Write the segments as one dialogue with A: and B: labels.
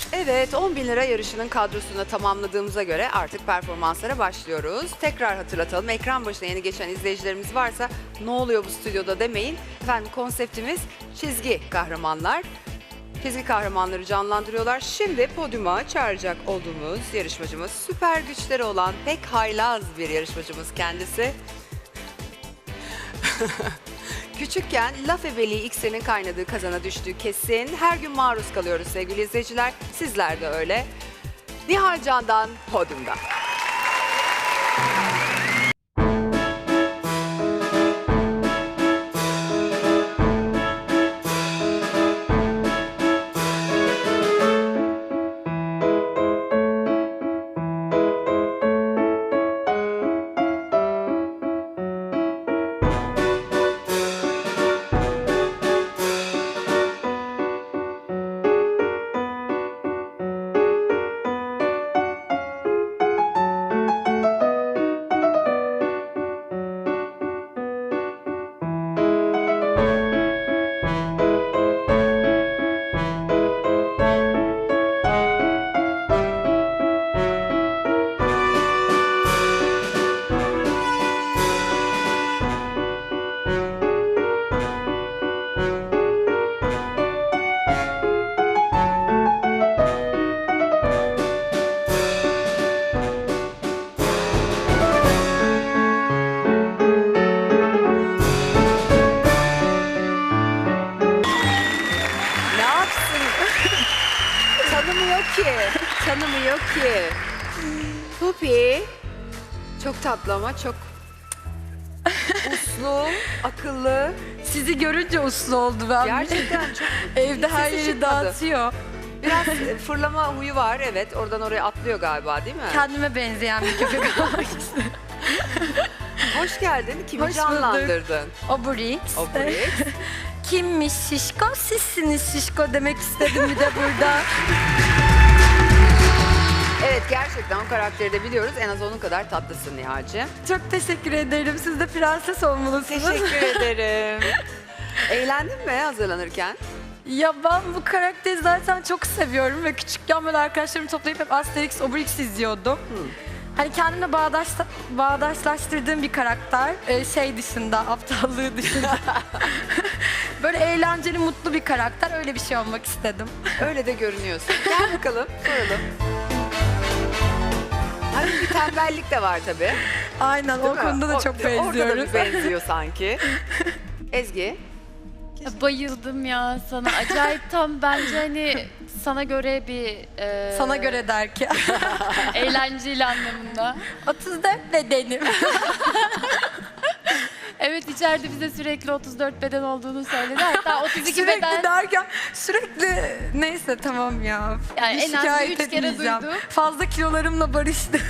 A: Evet, 10 bin lira yarışının kadrosunu tamamladığımıza göre artık performanslara başlıyoruz. Tekrar hatırlatalım, ekran başına yeni geçen izleyicilerimiz varsa ne oluyor bu stüdyoda demeyin. Efendim konseptimiz çizgi kahramanlar. Çizgi kahramanları canlandırıyorlar. Şimdi podyuma çağıracak olduğumuz yarışmacımız süper güçleri olan pek haylaz bir yarışmacımız kendisi. Küçükken laf ebeliği iksirinin kaynadığı kazana düştüğü kesin. Her gün maruz kalıyoruz sevgili izleyiciler. Sizler de öyle. Nihal Can'dan podyumda. Ne yapsın? Tanımıyor ki. Tanımıyor ki. Pupi. Çok tatlı ama çok uslu, akıllı.
B: Sizi görünce uslu oldu ben.
A: Gerçekten çok
B: Evde her
A: sesi
B: yeri
A: çıkmadı.
B: dağıtıyor.
A: Biraz fırlama huyu var, evet. Oradan oraya atlıyor galiba, değil mi?
B: Kendime benzeyen bir köpek olmak istedim.
A: Hoş geldin. Kimi
B: Hoş bulduk.
A: canlandırdın?
B: Obrix.
A: Obrix.
B: Kimmiş şişko? Sizsiniz şişko demek istedim bir de burada.
A: Evet, gerçekten o karakteri de biliyoruz. En az onun kadar tatlısın Nihal'cığım.
B: Çok teşekkür ederim. Siz de prenses olmalısınız.
A: Teşekkür ederim. Eğlendin mi hazırlanırken?
B: Ya ben bu karakteri zaten çok seviyorum ve küçükken böyle arkadaşlarımı toplayıp hep Asterix, Obelix izliyordum. Hani kendimle bağdaşlaştırdığım bir karakter. Şey dışında, aptallığı dışında. Böyle eğlenceli, mutlu bir karakter. Öyle bir şey olmak istedim.
A: Öyle de görünüyorsun. Gel bakalım, soralım. Hani bir tembellik de var tabii.
B: Aynen,
A: Değil
B: o
A: mi?
B: konuda da çok
A: Orada da
B: benziyoruz.
A: bir benziyor sanki. Ezgi.
C: Bayıldım ya sana. Acayip tam bence hani sana göre bir
B: Sana göre derken.
C: eğlenceli anlamında.
B: 34 bedenim.
C: Evet, içeride bize sürekli 34 beden olduğunu söyledi. Hatta 32
B: Sürekli
C: beden.
B: derken sürekli neyse tamam ya.
C: Yani en az bir
B: Şikayet
C: 3 kere
B: etmeyeceğim.
C: duydum.
B: Fazla kilolarımla barıştım.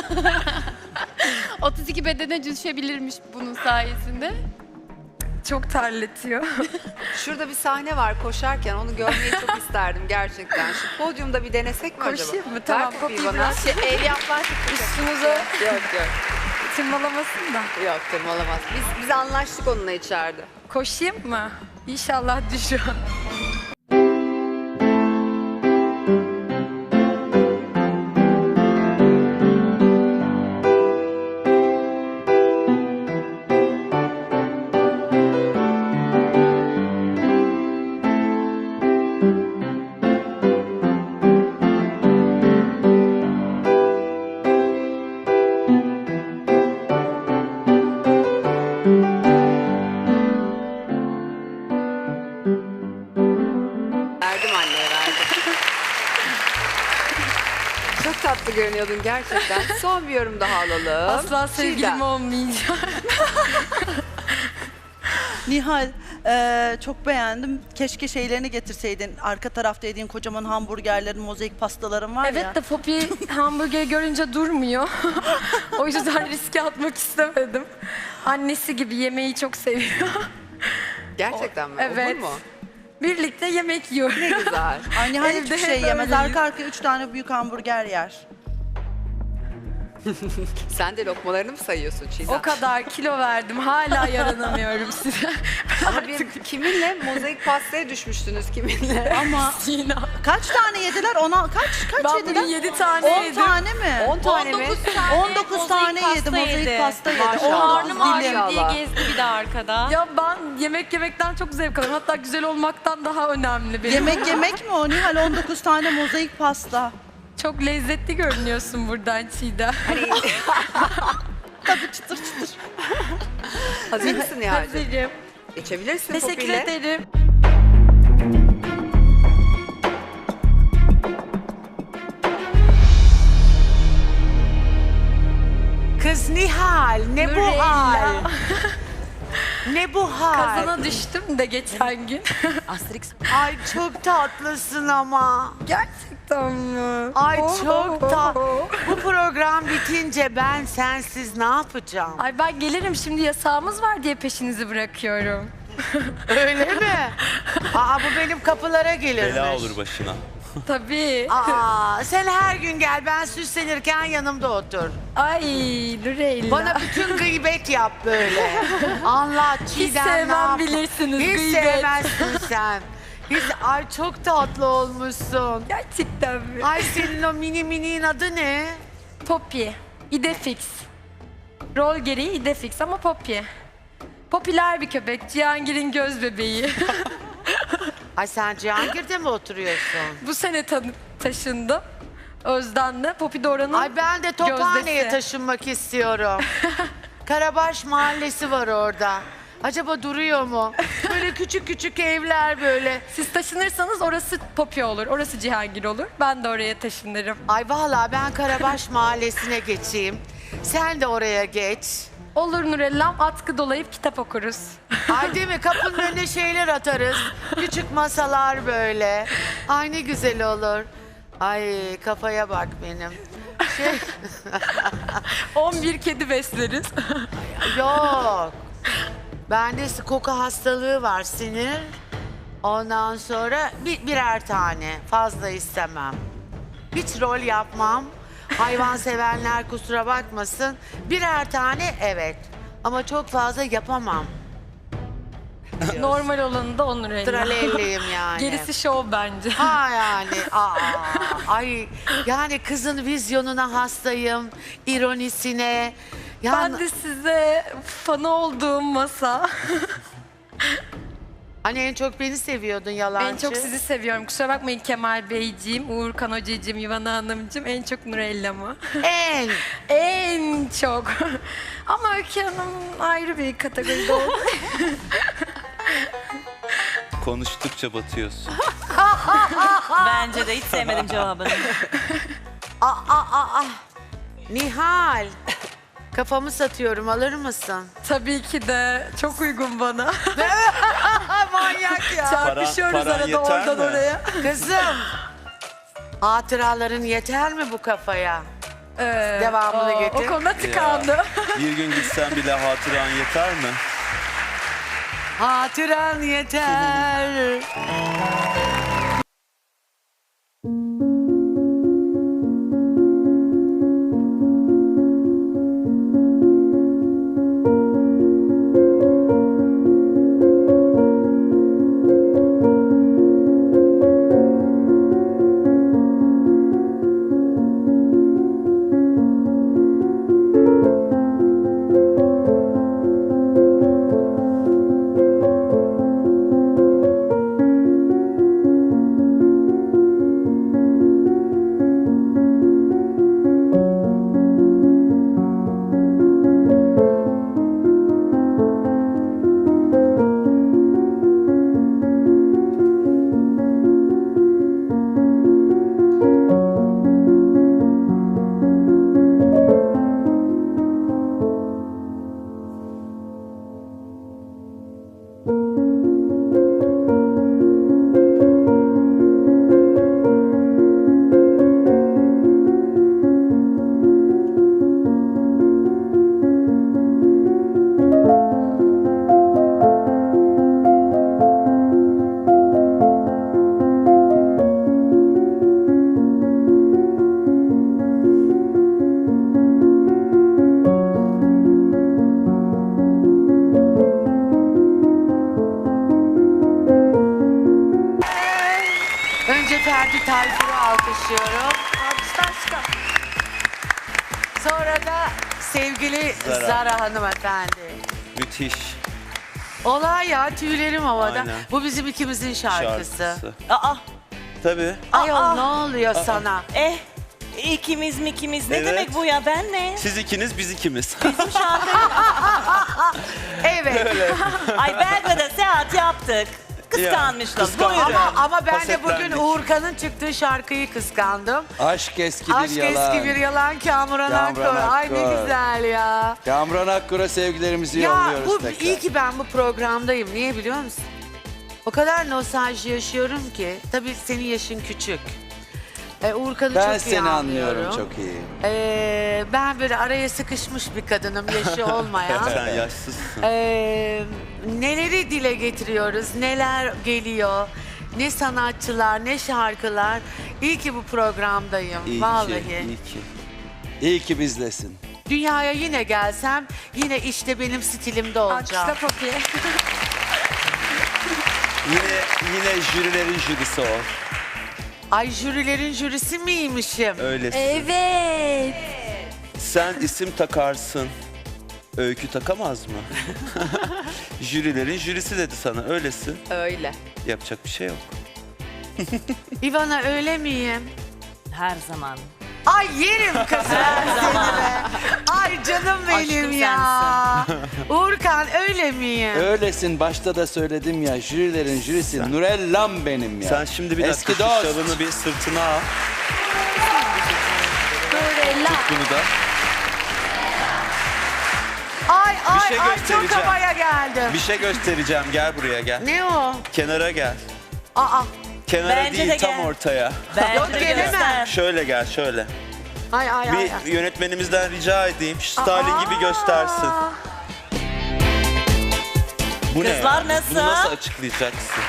C: 32 bedene düşebilirmiş bunun sayesinde.
B: Çok terletiyor.
A: Şurada bir sahne var koşarken, onu görmeyi çok isterdim gerçekten. Şu podyumda bir denesek mi acaba?
B: Koşayım mı? Tamam,
A: Ver kapıyı
B: kapıyı
A: bana.
B: biraz
A: El yapmazdık.
B: Üstünüze
A: Yok yok.
B: tırmalamasın da.
A: Yok tırmalamaz. Biz anlaştık onunla içeride.
B: Koşayım mı? İnşallah düşüyor.
A: Verdim anneye, verdim. Çok tatlı görünüyordun gerçekten. Son bir yorum daha alalım.
B: Asla sevgilim
A: Çiğdem.
B: olmayacak.
D: Nihal, çok beğendim. Keşke şeylerini getirseydin. Arka tarafta yediğin kocaman hamburgerlerin, mozaik pastaların var ya.
B: Evet de Poppy hamburger görünce durmuyor. O yüzden riske atmak istemedim. Annesi gibi yemeği çok seviyor.
A: Gerçekten mi?
B: Evet.
A: Olur mu?
B: Birlikte yemek yiyoruz.
A: Ne güzel.
D: Ay Nihal
B: Evde
D: hiçbir
B: hep
D: şey yemez.
B: öyleyiz.
D: Arka arkaya 3 tane büyük hamburger yer.
A: Sen de lokmalarını mı sayıyorsun Çiğdem?
B: O kadar kilo verdim. Hala yaranamıyorum size.
A: Ama kiminle? Mozaik pastaya düşmüştünüz kiminle?
B: Ama yine.
D: Kaç tane yediler? Kaç
B: Ben
D: yediler?
B: bugün 7 tane
D: 10
B: yedim.
D: tane mi?
A: 10 tane mi?
D: 19 tane yedi. Mozaik pasta yedi.
A: Maşallah.
D: 19
A: Karnım
D: dilim.
A: ağrıyor diye
C: gezdi bir de arkada.
B: Ya ben yemek yemekten çok zevk alıyorum. Hatta güzel olmaktan daha önemli benim.
D: Yemek mi o Nihal? 19 tane mozaik pasta.
B: Çok lezzetli görünüyorsun buradan Çiğdem.
D: Tabii çıtır çıtır.
A: Hazır mısın Nihal'cığım?
B: Hazırım.
A: Geçebilirsin
B: Teşekkür
A: Popi'yle.
B: ederim.
E: Kız Nihal, ne bu
B: Nurella.
E: hal? Ne bu hal?
B: Kazana düştüm de geçen gün.
E: Ay çok tatlısın ama.
B: Gerçekten mi?
E: Ay
B: Oh,
E: çok
B: oh,
E: da.
B: oh.
E: Bu program bitince ben sensiz ne yapacağım?
B: Ay ben gelirim şimdi yasağımız var diye peşinizi bırakıyorum.
E: Öyle mi? Aa bu benim kapılara gelirmiş.
F: Bela olur başına.
B: Tabii.
E: Aa sen her gün gel, ben süslenirken yanımda otur.
B: Ay Nurella.
E: Bana bütün gıybet yap böyle. Anlat Çiğdem ne
B: sevmem
E: yap-
B: bilirsiniz,
E: Hiç
B: gıybet.
E: sevmezsin sen. Ay çok tatlı olmuşsun.
B: Gerçekten mi?
E: Ay senin o mini'nin adı ne?
B: Poppy. Idefix. Rol gereği Idefix ama Poppy. Popüler bir köpek. Cihangir'in göz bebeği.
E: Ay sen Cihangir'de mi oturuyorsun?
B: Bu sene taşındım. Özden'le. Poppy de oranın
E: Ay ben de Tophane'ye
B: gözdesi.
E: taşınmak istiyorum. Karabaş mahallesi var orada. Acaba duruyor mu? Böyle küçük küçük evler böyle.
B: Siz taşınırsanız orası Poppy olur. Orası Cihangir olur. Ben de oraya taşınırım.
E: Ay vallahi ben Karabaş mahallesine geçeyim. Sen de oraya geç.
B: Olur Nurellam. Atkı dolayıp kitap okuruz.
E: Ay değil mi? Kapının önüne şeyler atarız. Küçük masalar böyle. Ay ne güzel olur. Ay kafaya bak benim. Şey,
B: 11 kedi besleriz.
E: yok. Bende koku hastalığı var, sinir. Ondan sonra birer tane. Fazla istemem. Hiç rol yapmam. Hayvan sevenler kusura bakmasın. Birer tane evet. Ama çok fazla yapamam.
B: Normal olanı da o Nurella.
E: Tralelliyim yani.
B: Gerisi şov bence.
E: Ha yani. Ay yani kızın vizyonuna hastayım. İronisine. Yani,
B: Ben de size fanı olduğum masa.
E: hani en çok beni seviyordun yalancı.
B: En çok sizi seviyorum. Kusura bakmayın Kemal Beyciğim, Uğurkan Hocacığım, Yuvana Hanımcığım. En çok Nurella'mı.
E: En.
B: En çok. Ama Öykü Hanım ayrı bir kategoride oldu.
F: Konuştukça batıyorsun.
G: Bence de hiç sevmedim cevabını.
E: Nihal. Kafamı satıyorum, alır mısın?
B: Tabii ki de çok uygun bana.
E: Manyak ya.
B: Çarpışıyoruz
F: paran
B: arada
F: yeter
B: oradan
F: mi?
B: oraya.
E: Kızım. Hatıraların yeter mi bu kafaya? Devamını getir.
B: O konuda tıkandı.
F: Bir gün gitsen bile hatıran yeter mi?
E: Hatıran yeter. alkışlıyorum.
B: Alkışlar çıkar.
E: Sonra da sevgili
F: Zara.
E: Zara hanımefendi.
F: Müthiş
E: Olay ya, tüylerim havada.
F: Aynen.
E: Bu bizim ikimizin şarkısı.
F: şarkısı.
G: Aa,
F: Tabii.
E: Ayol ne oluyor sana?
G: ikimiz mi ikimiz? Ne
F: Evet.
G: demek bu ya? Ben ne?
F: Siz ikiniz, biz ikimiz.
G: Bizim şarkı.
E: Evet.
G: Ay Belgrad'a seyahat yaptık. Kıskanmışlar.
F: kıskandım.
G: Buyurun.
E: Ama ben de bugün
F: Hasetlendik.
E: Uğurkan'ın çıktığı şarkıyı kıskandım.
H: Aşk eski bir
E: Aşk
H: yalan.
E: eski bir yalan, Kamuran Akkor.
H: Kamuran
E: Ay ne
H: Akkor.
E: güzel ya.
H: Kamran Akkur'a sevgilerimizi
E: Ya
H: yolluyoruz
E: bu
H: tekrar.
E: iyi ki ben bu programdayım. Niye biliyor musun? O kadar nostalji yaşıyorum ki. Tabii senin yaşın küçük. Uğurkan'ı
H: Ben
E: çok iyi
H: seni anlıyorum
E: anlıyorum.
H: çok iyi.
E: Ben böyle araya sıkışmış bir kadınım, yaşı olmayan.
F: Sen yaşsızsın.
E: Neleri dile getiriyoruz, neler geliyor, ne sanatçılar, ne şarkılar. İyi ki bu programdayım,
F: İyi
E: vallahi.
F: ki, iyi ki.
H: İyi ki bizlesin.
E: Dünyaya yine gelsem, yine işte benim stilimde olacağım.
B: Alkışla Poppy.
F: Yine jürilerin jürisi o.
E: Ay jürilerin jürisi miymişim?
F: Öylesin.
B: Evet.
F: Sen isim takarsın. Öykü takamaz mı? Jürilerin jürisi dedi sana. Öylesin.
A: Öyle.
F: Yapacak bir şey yok.
E: İvana öyle miyim?
G: Her zaman.
E: Ay yerim kızım seni be. Ay canım benim
G: Aşkım
E: ya. Uğurkan öyle miyim?
H: Öylesin, başta da söyledim ya, jürilerin jürisi Nurellam benim ya.
F: Sen şimdi bir dakika
H: Eski
F: şu
H: dost.
F: şalını bir sırtına al.
B: Nurella.
F: Bunu da.
E: Ay ay
F: şey
E: ay çok
F: göstereceğim.
E: havaya geldim.
F: Bir şey göstereceğim. Gel buraya gel.
E: Ne o?
F: Kenara gel.
E: Aa.
F: Kenara
G: Bence de
F: değil tam
G: gel.
F: ortaya.
G: Bence
E: Yok,
G: de
E: gelemem.
G: göster.
F: Şöyle gel şöyle.
E: Ay ay ay.
F: Bir yönetmenimizden rica edeyim. Şu Stalin gibi göstersin. Bu ne?
G: Kızlar
F: ya?
G: nasıl?
F: Bunu nasıl açıklayacaksın?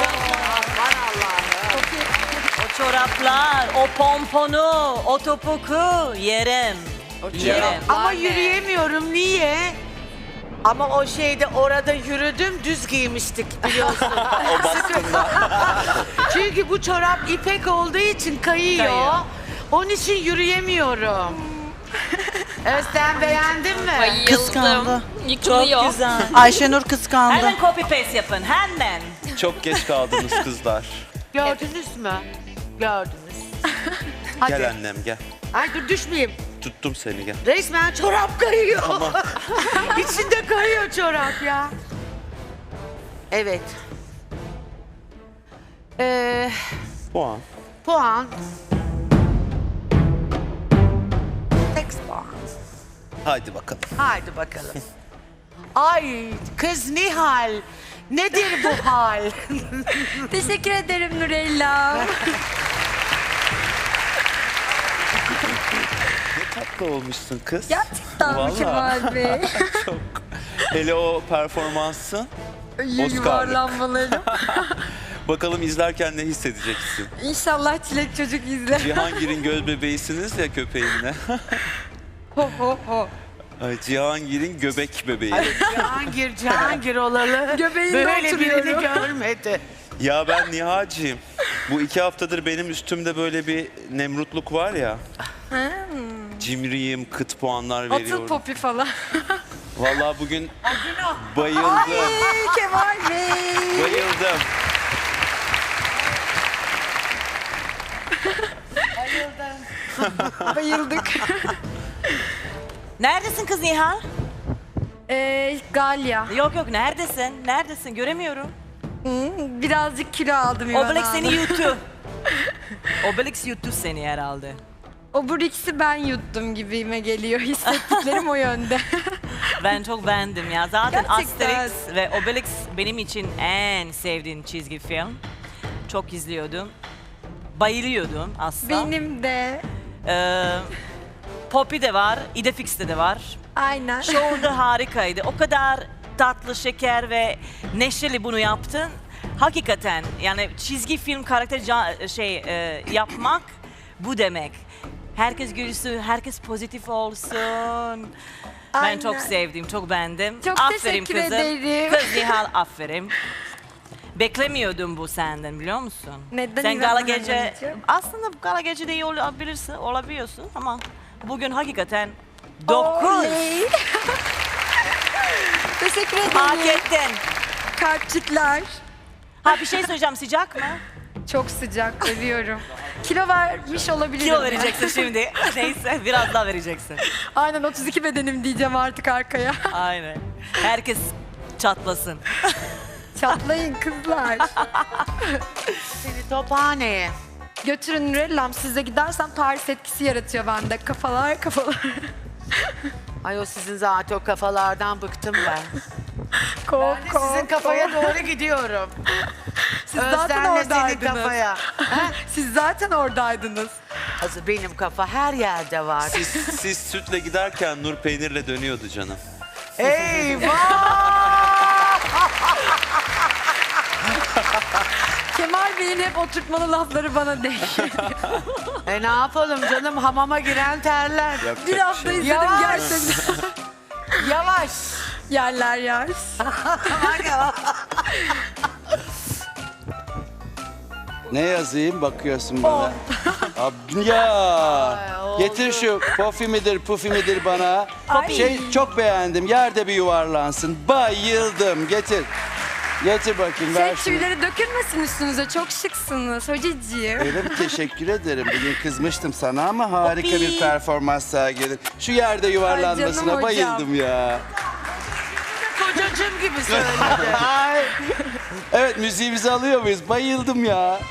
G: O çoraplar, o pomponu, o topuku yerim. Yerim.
E: Ama yürüyemiyorum niye? Ama o şeyde orada yürüdüm düz giymiştik biliyorsun.
F: O baskında.
E: Çünkü bu çorap ipek olduğu için kayıyor.
G: Kayıyor.
E: Onun için yürüyemiyorum. Özlem beğendin mi?
D: Kıskandı.
G: Çok güzel.
D: Ayşenur kıskandı.
G: Hemen copy paste yapın, hemen.
F: Çok geç kaldınız kızlar.
E: Gördünüz mü? Gördünüz. Hadi.
F: Gel annem gel.
E: Ay dur düşmeyeyim.
F: Tuttum seni gel.
E: Resmen çorap kayıyor. İçinde kayıyor çorap ya. Evet.
F: Puan.
E: Puan. 8 puan.
F: Haydi bakalım.
E: Haydi bakalım. Ay kız Nihal. Nedir bu hal?
B: Teşekkür ederim Nurella.
F: Tatlı olmuşsun kız.
B: Gerçekten mi
F: Vallahi.
B: Kemal Bey?
F: Çok. Hele o performansın. Oscar'lık.
B: Yuvarlanmalarım.
F: Bakalım izlerken ne hissedeceksin?
B: İnşallah Çilek Çocuk izler.
F: Cihangir'in göz bebeğisiniz ya köpeğinle.
B: Ho ho ho.
F: Ay, Cihangir'in göbek bebeği.
E: Cihangir olalı.
B: Göbeğinde
E: böyle birini
B: oturuyorum.
E: görmedi.
F: Ya ben Nihal'ciyim. Bu 2 haftadır benim üstümde böyle bir nemrutluk var ya. Cimriyim, kıt puanlar
B: Atıl
F: veriyorum.
B: Poppy falan.
F: Vallahi bugün bayıldım.
B: Ay Kemal Bey.
F: Bayıldım.
B: Bayıldık.
G: Neredesin kız Nihal?
B: Galya.
G: Yok yok, neredesin? Neredesin? Göremiyorum.
B: Birazcık kilo aldım İvan
G: Obelix seni
B: Hanım.
G: yuttu. Obelix yuttu seni herhalde.
B: Obrix'i ben yuttum gibime geliyor. Hissettiklerim o yönde.
G: Ben çok beğendim ya. Zaten
B: Gerçekten.
G: Asterix ve Obelix benim için en sevdiğim çizgi film. Çok izliyordum. Bayılıyordum aslında.
B: Benim de.
G: Poppy de var, Idefix'te de var.
B: Aynen.
G: Şovunda harikaydı. O kadar tatlı, şeker ve neşeli bunu yaptın. Hakikaten yani çizgi film karakteri yapmak bu demek. Herkes gülsün, herkes pozitif olsun. Ben
B: Aynen.
G: çok sevdim, çok beğendim.
B: Çok
G: aferin
B: teşekkür
G: kızım.
B: ederim.
G: Kız Nihal aferin. beklemiyordum bu senden biliyor musun?
B: Neden
G: Sen
B: İrem
G: gala
B: Hanım
G: gece,
B: anneciğim?
G: aslında gala gece de iyi olabiliyorsun ama bugün hakikaten 9.
B: Oley. Teşekkür
G: Hak
B: ederim.
G: ettin.
B: Kalpçikler.
G: Ha bir şey söyleyeceğim, sıcak mı?
B: Çok sıcak, seviyorum. Kilo vermiş olabilirim.
G: Kilo vereceksin şimdi. Neyse biraz daha vereceksin.
B: Aynen 32 bedenim diyeceğim artık arkaya.
G: Aynen. Herkes çatlasın.
B: Çatlayın kızlar.
E: Seni tophaneye.
B: Götürün Nurellam, size gidersem Paris etkisi yaratıyor bende. Kafalar.
E: Ay o sizin zaten o kafalardan bıktım ben.
B: Kop,
E: Ben de sizin kafaya doğru gidiyorum.
B: Siz zaten
E: Özlemle senin
B: oradaydınız.
E: kafaya.
B: Siz zaten oradaydınız.
E: Hazır benim kafa her yerde var.
F: Siz sütle giderken Nur peynirle dönüyordu canım.
E: Eyvah!
B: Kemal Bey'in hep oturtmalı lafları bana değil.
E: Ne yapalım canım, hamama giren terler.
F: Yapacak
B: Bir
F: bir
B: hafta
F: şey yok.
B: izledim
E: Yavaş.
B: gerçekten.
E: Yavaş.
B: Yerler yer.
H: Ne yazayım bakıyorsun bana. Ya getir şu pofi midir bana.
B: Ay.
H: Çok beğendim. Yerde bir yuvarlansın. Bayıldım. Getir. Getir bakayım ver şunu.
B: Tüyleri dökülmesin üstünüze. Çok şıksınız hocacığım.
H: Öyle mi? Teşekkür ederim. Bugün kızmıştım sana ama harika
G: Popi.
H: bir performans sergiledin. Şu yerde yuvarlanmasına
B: hocam.
H: bayıldım ya.
E: Kocacığım gibi söyledi.
H: Evet müziğimizi alıyor muyuz? Bayıldım ya.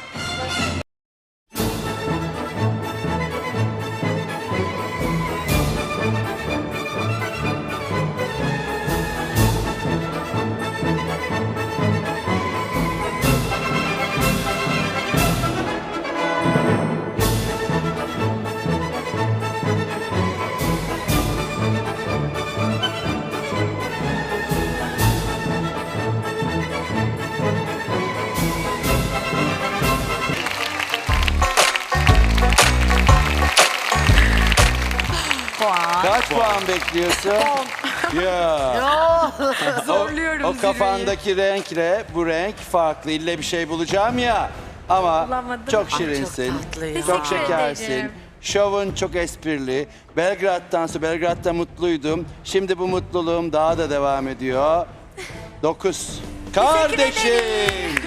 G: Puan.
H: Kaç puan bekliyorsun? Ya.
B: Zorluyorum
H: O kafandaki renkle bu renk farklı. İlle bir şey bulacağım ya. Ama
B: Bulamadım.
H: çok şirinsin.
E: Çok tatlı ya.
H: Çok
B: Teşekkür
H: şekersin.
B: ederim.
H: Şovun çok esprili. Belgrad'da mutluydum. Şimdi bu mutluluğum daha da devam ediyor. 9. Kardeşim.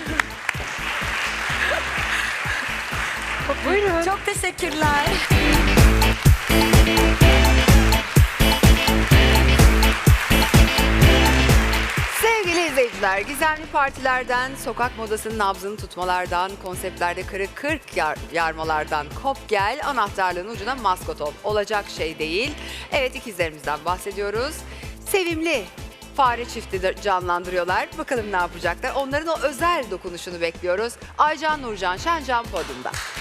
B: Buyurun. Çok teşekkürler.
A: Sevgili izleyiciler, gizemli partilerden, sokak modasının nabzını tutmalardan, konseptlerde kırık 40 yarmalardan kop gel, anahtarlığın ucuna maskot ol. Olacak şey değil. Evet, ikizlerimizden bahsediyoruz. Sevimli fare çifti de canlandırıyorlar. Bakalım ne yapacaklar. Onların o özel dokunuşunu bekliyoruz. Aycan Nurcan Şencan podyumda.